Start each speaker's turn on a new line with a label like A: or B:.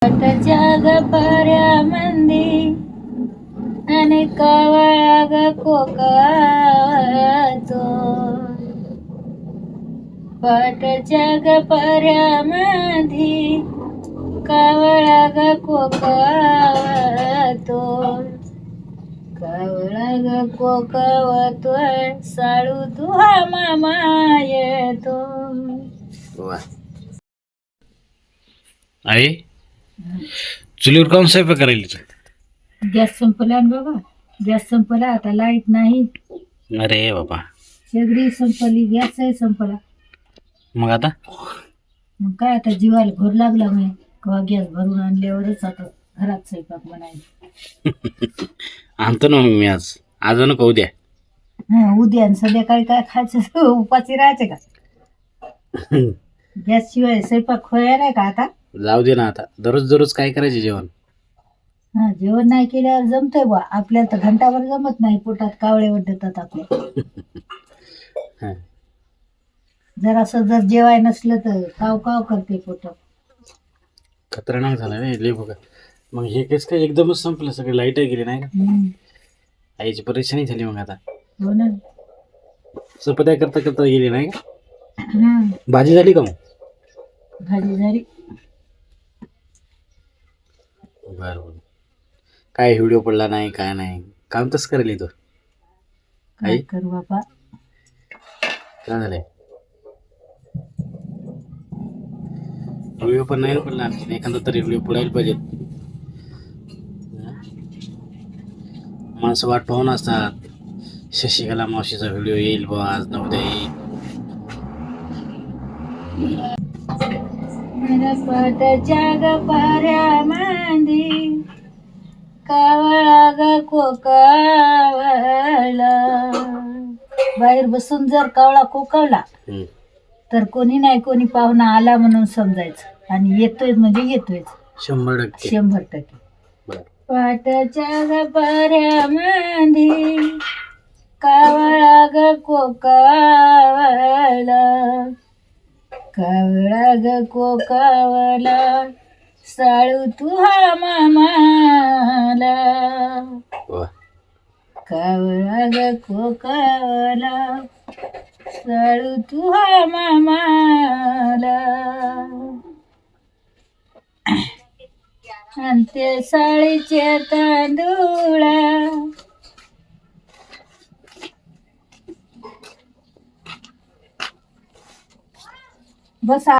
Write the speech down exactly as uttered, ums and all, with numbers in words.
A: पाटाच्या ग पर्यामंदी आणि कावळा ग कोकातो. पाटाच्या ग पर्यामंदी कावळा ग कोकावतो. कावळा ग कोकावतोय साळू तुहा मामा येतो.
B: वा. आई चुलीवर काऊन स्वयंपाक करायला?
A: गॅस संपला ना बाबा, गॅस संपला, आता लाईट नाही.
B: अरे बाबा,
A: सगळी संपली, गॅसही संपला.
B: मग आता
A: मग काय आता जीवाला भर लागला मी कवा गॅस भरून आणल्यावरच आता घरात स्वयंपाक बनायचा.
B: आणतो ना मग मी आज आज नको उद्या.
A: हा उद्या आणि संध्याकाळी काय खायचं उपाशी राहायचे का? गॅस शिवाय स्वयंपाक खोया नाही का आता?
B: जाऊ दे ना आता, दररोज दररोज काय करायचे जेवण?
A: हा जेवण नाही केल्यावर जमतंय बा, आपल्याला तर घंटाभर जमत नाही, पोटात कावळे वडतात आपल्या.
B: हा.
A: जरासं जर जेवाय नसलं तर काव काव करते पोटात.
B: खतरनाक झाला रे लय बघा. मग हे केस काय एकदमच संपलं, सगळी लाईट गेली नाही का?
A: हम्म.
B: आईची परेशानी झाली मग आता.
A: हो ना.
B: चपात्या करता करता गेली नाही का?
A: हम्म.
B: भाजी झाली का मग?
A: भाजी झाली.
B: बरं. काय व्हिडिओ पडला नाही काय नाही, काम तसं करेल तो.
A: काय करू बाबा,
B: काय झालंय? व्हिडिओ पण नाही पडला आणखी, एखादा तरी व्हिडिओ पडायला पाहिजे. माणसं वाट पाहून असतात, शशिकला मावशीचा व्हिडिओ येईल बा आज न उद्या येईल.
A: पाटाच्या ग पाऱ्यामंदी कावळा ग कोकावला. बाहेर बसून जर कावळा कोकावला
B: हम्म.
A: तर कोणी नाही कोणी पाहुणा आला म्हणून समजायचं, आणि येतोय म्हणजे येतोय
B: शंभर टक्के
A: शंभर टक्के.
B: बरं.
A: पाटाच्या ग पाऱ्यामंदी कावळा ग कोकावला. कावळा ग कोकावला साळू तुहा मामाला.
B: वा.
A: कावळा ग कोकावला साळू तुहा मामाला. आणि ते साळीचे तांदूळा बस.